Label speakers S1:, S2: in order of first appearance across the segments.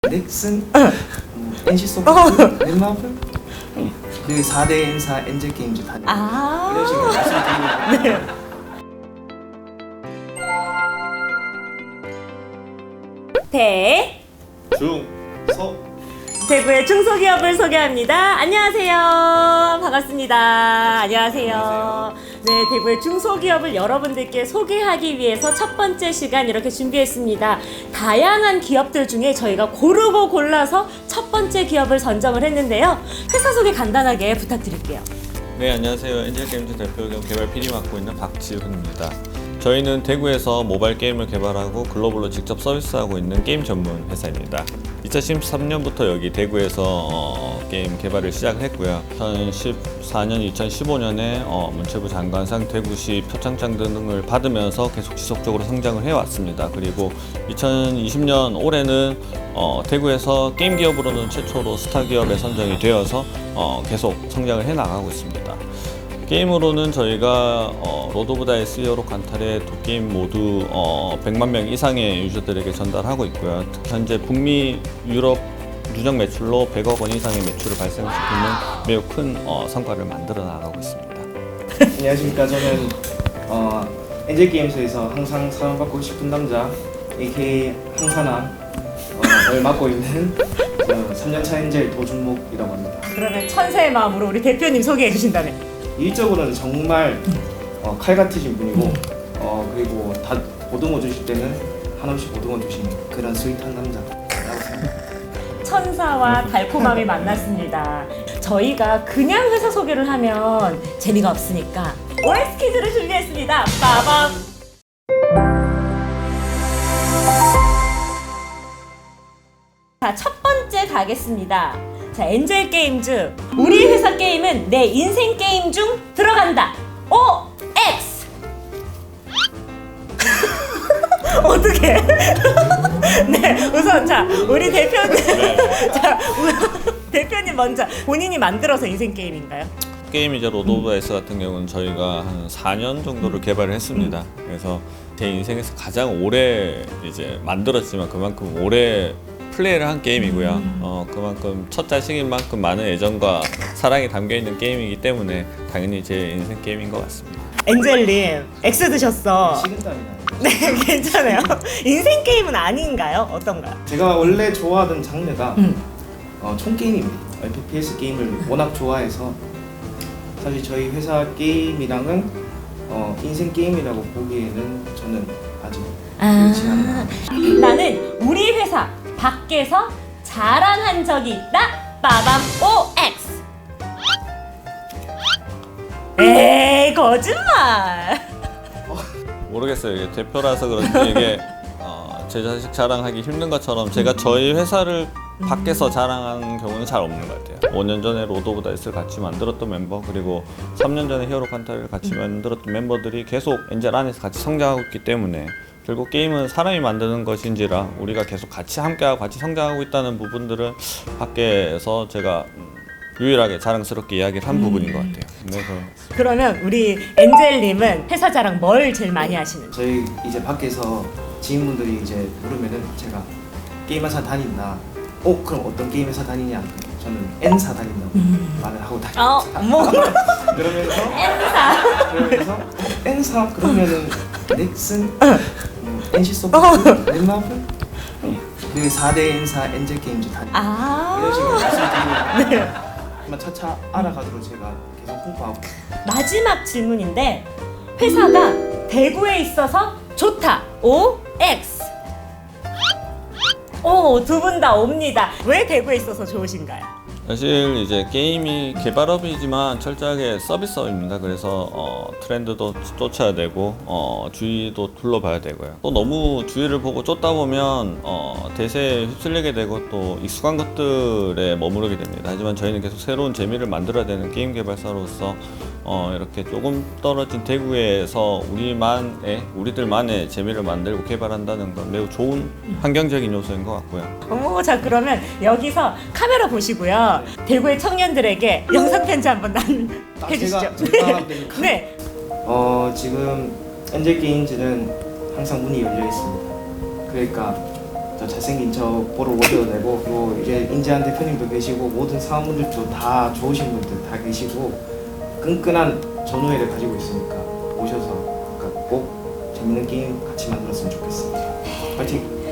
S1: 넥슨, NC소프트, 넷마블 그 4대 N사 엔젤게임즈 다 이런 식으로 말씀드리는
S2: 네. 대구의 중소기업을 소개합니다. 안녕하세요. 반갑습니다. 안녕하세요. 네, 대구의 중소기업을 여러분들께 소개하기 위해서 첫 번째 시간 이렇게 준비했습니다. 다양한 기업들 중에 저희가 고르고 골라서 첫 번째 기업을 선정을 했는데요. 회사 소개 간단하게 부탁드릴게요.
S3: 네, 안녕하세요. 엔젤게임즈 대표 겸 개발 PD 맡고 있는 박지훈입니다. 저희는 대구에서 모바일 게임을 개발하고 글로벌로 직접 서비스하고 있는 게임 전문 회사입니다. 2013년부터 여기 대구에서 게임 개발을 시작을 했고요. 2014년, 2015년에 문체부 장관상 대구시 표창장 등을 받으면서 계속 지속적으로 성장을 해왔습니다. 그리고 2020년 올해는 대구에서 게임 기업으로는 최초로 스타 기업에 선정이 되어서 계속 성장을 해나가고 있습니다. 게임으로는 저희가 로드 오브 다이스 히어로 칸탈의 두 게임 모두 100만 명 이상의 유저들에게 전달하고 있고요. 특히 현재 북미, 유럽 누적 매출로 100억 원 이상의 매출을 발생시키는 매우 큰 성과를 만들어 나가고 있습니다.
S1: 안녕하십니까. 저는 엔젤게임즈에서 항상 사랑받고 싶은 남자 AKA 항사남을 맡고 있는 3년차 엔젤 도준목이라고 합니다.
S2: 그러면 천세의 마음으로 우리 대표님 소개해 주신다면?
S1: 일적으로는 정말 칼 같으신 분이고 그리고 다 보듬어 주실 때는 한없이 보듬어 주시는 그런 스윗한 남자라고 생각합니다.
S2: 천사와 달콤함이 만났습니다. 저희가 그냥 회사 소개를 하면 재미가 없으니까 OX 퀴즈를 준비했습니다. 빠밤! 자, 첫 번째 가겠습니다. 자, 엔젤게임즈. 우리 회사 게임은 내 인생 게임 중 들어간다. OX! 어떻게? 네, 우선 자, 우리 대표님. 자, 대표님 먼저 본인이 만들어서 인생 게임인가요?
S3: 게임 이제 로드 오브 다이스 같은 경우는 저희가 한 4년 정도를 개발을 했습니다. 그래서 제 인생에서 가장 오래 이제 만들었지만 그만큼 오래 플레이를 한 게임이고요. 그만큼 첫 자식인 만큼 많은 애정과 사랑이 담겨있는 게임이기 때문에 당연히 제 인생 게임인 것 같습니다.
S2: 엔젤님, X 드셨어.
S1: 식은땀이 나요.
S2: 네, 괜찮아요. 인생 게임은 아닌가요? 어떤가요?
S1: 제가 원래 좋아하던 장르가 총게임입니다. FPS 게임을 워낙 좋아해서 사실 저희 회사 게임이랑은 인생 게임이라고 보기에는 저는 아직 그렇지 않나.
S2: 나는 우리 회사 밖에서 자랑한 적이 있다. 빠밤 OX. 에이, 거짓말.
S3: 모르겠어요. 이게 대표라서 그런지 이게 제 자식 자랑하기 힘든 것처럼 제가 저희 회사를 밖에서 자랑한 경우는 잘 없는 것 같아요. 5년 전에 로드 오브 다이스를 같이 만들었던 멤버, 그리고 3년 전에 히어로 칸탈을 같이 만들었던 멤버들이 계속 엔젤 안에서 같이 성장하고 있기 때문에 결국 게임은 사람이 만드는 것인지라 우리가 계속 같이 함께하고 같이 성장하고 있다는 부분들은 밖에서 제가 유일하게 자랑스럽게 이야기를 한 부분인 것 같아요. 그래서
S2: 그러면 우리 엔젤님은 회사 자랑 뭘 제일 많이 하시는지?
S1: 저희 이제 밖에서 지인분들이 이제 물으면은 제가 게임 회사 다닌다. 그럼 어떤 게임 회사 다니냐? 저는 N사 다닌다고 말을 하고 다닙니다.
S2: 뭐
S1: 그러면서 N사 그러면은 넥슨, NC소프트, 넷마블 그 4대 N사 엔젤게임즈 다 이런 식으로 말씀드리는
S2: 네.
S1: 한번 차차 알아가도록 제가 계속 홍보하고.
S2: 마지막 질문인데 회사가 대구에 있어서 좋다. OX. 두 분 다 옵니다. 왜 대구에 있어서 좋으신가요?
S3: 사실 이제 게임이 개발업이지만 철저하게 서비스업입니다. 그래서 트렌드도 쫓아야 되고 주위도 둘러봐야 되고요. 또 너무 주위를 보고 쫓다 보면 대세에 휩쓸리게 되고 또 익숙한 것들에 머무르게 됩니다. 하지만 저희는 계속 새로운 재미를 만들어야 되는 게임 개발사로서 이렇게 조금 떨어진 대구에서 우리들만의 재미를 만들고 개발한다는 건 매우 좋은 환경적인 요소인 것 같고요.
S2: 자, 그러면 여기서 카메라 보시고요. 대구의 청년들에게 영상 편지 한번 해주시죠.
S1: 제가 하면 됩니까?
S2: 네.
S1: 지금 엔젤게임즈는 항상 문이 열려 있습니다. 그러니까 더 잘생긴 저 보러 오셔도 되고, 그리고 이제 인재한 대표님도 계시고 모든 사원분들도 다 좋으신 분들 다 계시고 끈끈한 전우회를 가지고 있으니까 오셔서 꼭 재밌는 게임 같이 만들었으면 좋겠습니다. 파이팅!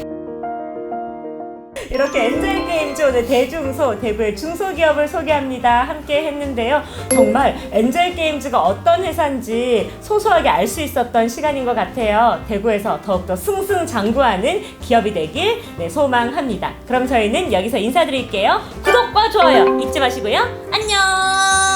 S2: 이렇게 엔젤게임즈 오늘 대중소, 대구의 중소기업을 소개합니다. 함께 했는데요. 정말 엔젤게임즈가 어떤 회사인지 소소하게 알 수 있었던 시간인 것 같아요. 대구에서 더욱더 승승장구하는 기업이 되길 소망합니다. 그럼 저희는 여기서 인사드릴게요. 구독과 좋아요 잊지 마시고요. 안녕!